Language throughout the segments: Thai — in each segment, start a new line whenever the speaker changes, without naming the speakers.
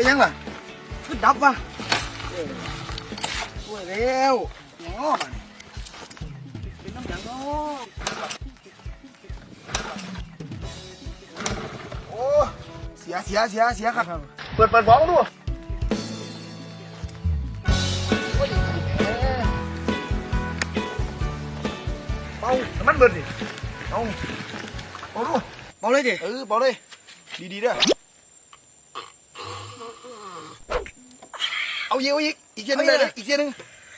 ยังล่ะคือดับวะช่วยเร็วง้อมันเป็นน้ำยังง้อโอ้เสียครับเปิดบ้องดูเบาน้ำมันเบิดดิเบาดูเบาเลยดิเบาเลยดีๆด้วยเอาอีกเทียนึงเลยอีกเทียนึง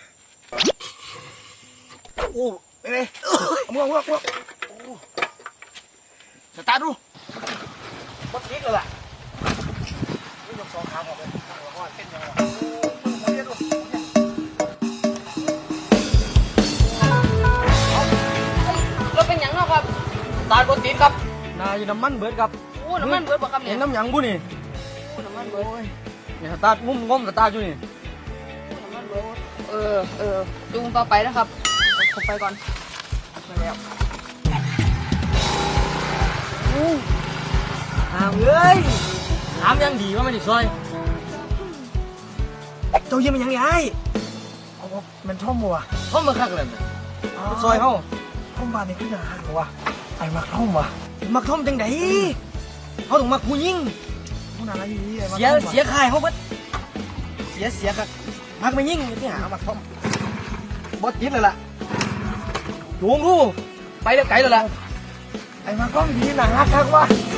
โอ้ไปเลยเอามือสตาร์ทดูบัดพลิกเลยล่ะนี่ยก2 ขาออกเลยว่าเป็นยังไง
เราเป็นยังเนาะครับตาบนติดครับนายน้ำมันเบิดครับโอ้น้ำมันเบิดบ่ครับเนี่ย
น้ำยังบุนี่
โอ้น้ำมันเบิด
เนี่ยสตาร์ทงุ้มสตาร์ทอยู่นี่
น้ำมันเบิดจูงต่อไปนะครับผมไปก่อนมาแล้ว
น้ำยังดีว่ามันอีกซอยเจ้าเยี่ยมมันยังไงเอามันท่อมวัวท่อมมาคักเลยซอยเขาท่อมบ้านนี่ขึ้นหนาหัวไอ้มักท่อมวะมักท่อมจังไดเขาต้องมักผู้ยิ่งผู้นาอะไรอยู่นี่เสียขายเขาเบิดเสียครับมักไม่ยิ่งที่หามักท่อมบดยิดเลยล่ะจูงดูไปเร็วไกลเลยล่ะไอ้มักท่อมดีหนาคักวะ